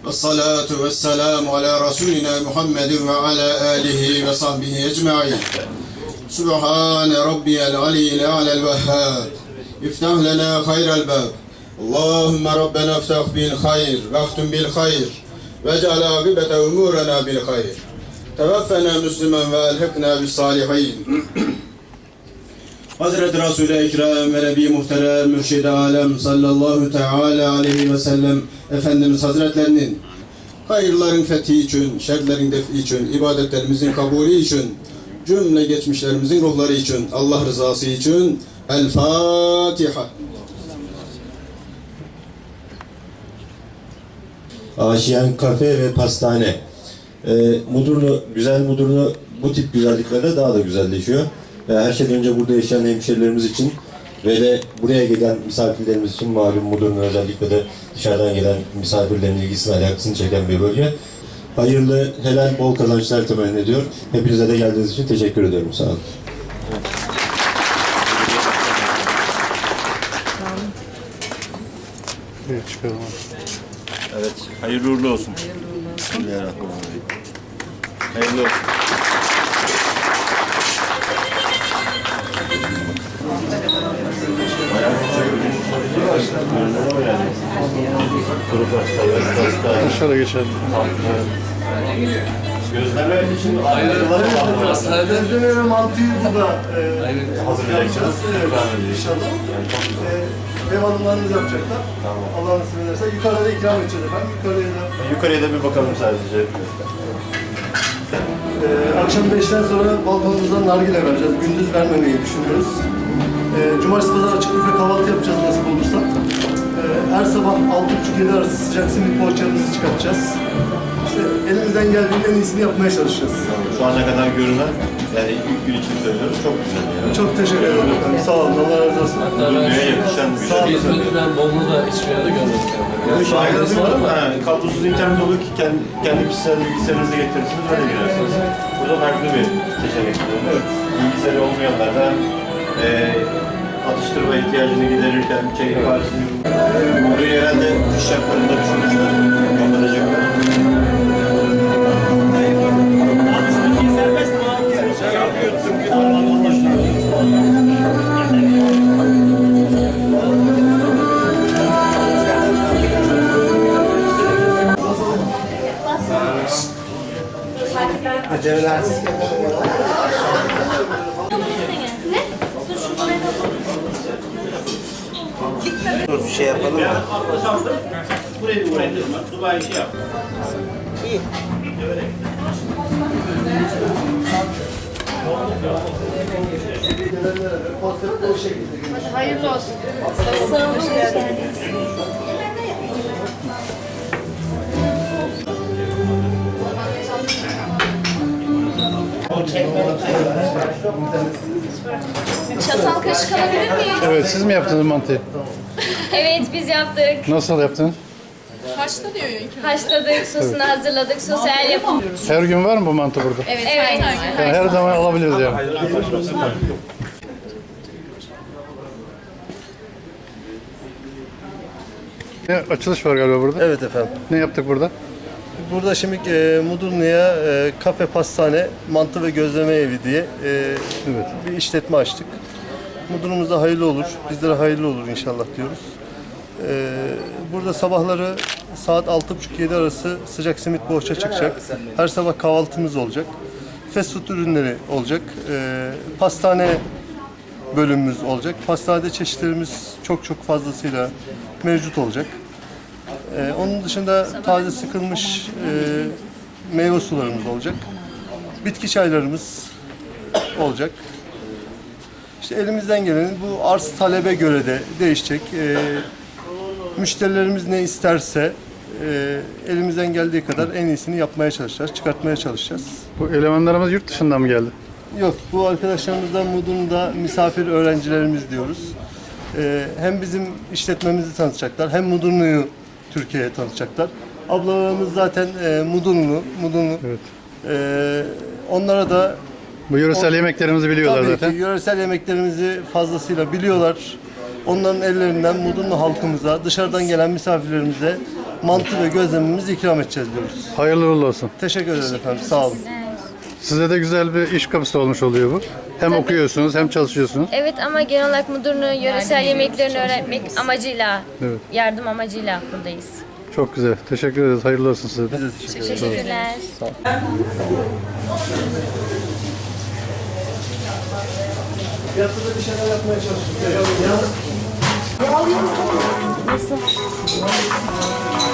والصلاة والسلام على رسولنا محمد وعلى آله وصحبه أجمعين سبحان ربي العلي الأعلى الوهاب افتح لنا خير الباب اللهم ربنا افتح بالخير واختم بالخير واجعل عاقبة أمورنا بالخير توفنا مسلما والحقنا بالصالحين Hazreti Resul-i Ekrem ve Nebi Muhterem Mürşid-i Alem sallallahu teala aleyhi ve sellem Efendimiz Hazretlerinin hayırların fethi için, şerlerin defi için, ibadetlerimizin kabulü için, cümle geçmişlerimizin ruhları için, Allah rızası için El Fatiha. Aşiyan Kafe ve Pastane. Güzel Mudurnu bu tip güzelliklerle daha da güzelleşiyor. Her şeyden önce burada yaşayan hemşerilerimiz için ve de buraya gelen misafirlerimiz için malum Mudurnu özellikle de dışarıdan gelen misafirlerin ilgisini, alakasını çeken bir bölge. Hayırlı, helal, bol kazançlar temenni ediyor. Hepinize de geldiğiniz için teşekkür ediyorum. Sağ olun. Evet, hayırlı uğurlu olsun. Bismillahirrahmanirrahim. Hayırlı olsun. Dışarı geçelim. Gözleme için Gözleme ve mantıyı burada hazırlayacağız. inşallah. Ev hanımlarınız yapacaklar. Allah nasip ederse. Yukarıda ikram edeceğiz efendim. Yukarıya da bir bakalım sadece. Akşam 5'ten sonra balkonumuzdan nargile vereceğiz. Gündüz vermemeyi düşünüyoruz. Cumartesi pazar açık büfe kahvaltı yapacağız nasip olursa. Her sabah 6.30-7 arası sıcak simit poğaçamızı çıkartacağız. İşte elimizden geldiğinde en iyisini yapmaya çalışacağız. Şu ana kadar görünen, yani ilk gün için söylüyoruz, çok güzel. Yani. Çok teşekkür ederim efendim. Sağ olun. Allah razı olsun. Dünyaya yakışan bir Sağ olun. şey. İzmir'den Bolu'nu da hiçbir yerde görmedik. Şahidiniz var mı? Kablosuz internet olur ki kendi kişisel bilgisayarınızı getirirsiniz, öyle girersiniz. Burada farklı bir seçenek bulunuyor. Bilgisayarı olmayanlar da atıştırma ihtiyacını giderirken çekim parasını burayı herhalde kış şartlarında düşünmüşler. Kapatacaklar. Aceleler. Dur bir şey yapalım da. Burayı Dubai şey yap. İyi. Hayırlı olsun. Sağ olun. Hoş geldiniz. Çatal kaşık alabilir miyiz? Evet, siz mi yaptınız mantıyı? Evet, biz yaptık. Nasıl yaptınız? Haşladık, sosunu hazırladık, sosu el yapımı. Her gün var mı bu mantı burada? Evet, Yani her zaman alabiliriz yani. Ne açılış var galiba burada? Evet efendim. Ne yaptık burada? Burada şimdi Mudurnu'ya kafe, pastane, mantı ve gözleme evi diye bir işletme açtık. Mudurnu'muzda hayırlı olur, bizlere hayırlı olur inşallah diyoruz. Burada sabahları saat 6.30-7 arası sıcak simit poğaça çıkacak. Her sabah kahvaltımız olacak. Fast food ürünleri olacak. Pastane bölümümüz olacak. Pastanede çeşitlerimiz çok fazlasıyla mevcut olacak. Onun dışında taze sıkılmış meyve sularımız olacak. Bitki çaylarımız olacak. İşte elimizden gelen bu arz talebe göre de değişecek. Müşterilerimiz ne isterse elimizden geldiği kadar en iyisini yapmaya çalışacağız, çıkartmaya çalışacağız. Bu elemanlarımız yurt dışından mı geldi? Yok, bu arkadaşlarımızdan Mudurnu'da misafir öğrencilerimiz diyoruz. Hem bizim işletmemizi tanıtacaklar, hem Mudurnu'yu Türkiye'ye tanıtacaklar. Ablalarımız zaten Mudurnu. Evet. Onlara da Bu yöresel yemeklerimizi biliyorlar tabii zaten. ki yöresel yemeklerimizi fazlasıyla biliyorlar. Onların ellerinden Mudurnu halkımıza, dışarıdan gelen misafirlerimize mantı ve gözlememizi ikram edeceğiz diyoruz. Hayırlı uğurlu olsun. Teşekkür ederiz efendim. Sağ olun. Size de güzel bir iş kapısı olmuş oluyor bu. Hem okuyorsunuz hem çalışıyorsunuz. Evet ama genel olarak müdürünün yöresel yemeklerini öğretmek amacıyla, Evet. yardım amacıyla buradayız. Çok güzel. Teşekkür ederiz. Hayırlı olsun size de. Biz de teşekkür ederiz. Teşekkürler. Yatıda bir şeyler yapmaya çalıştık.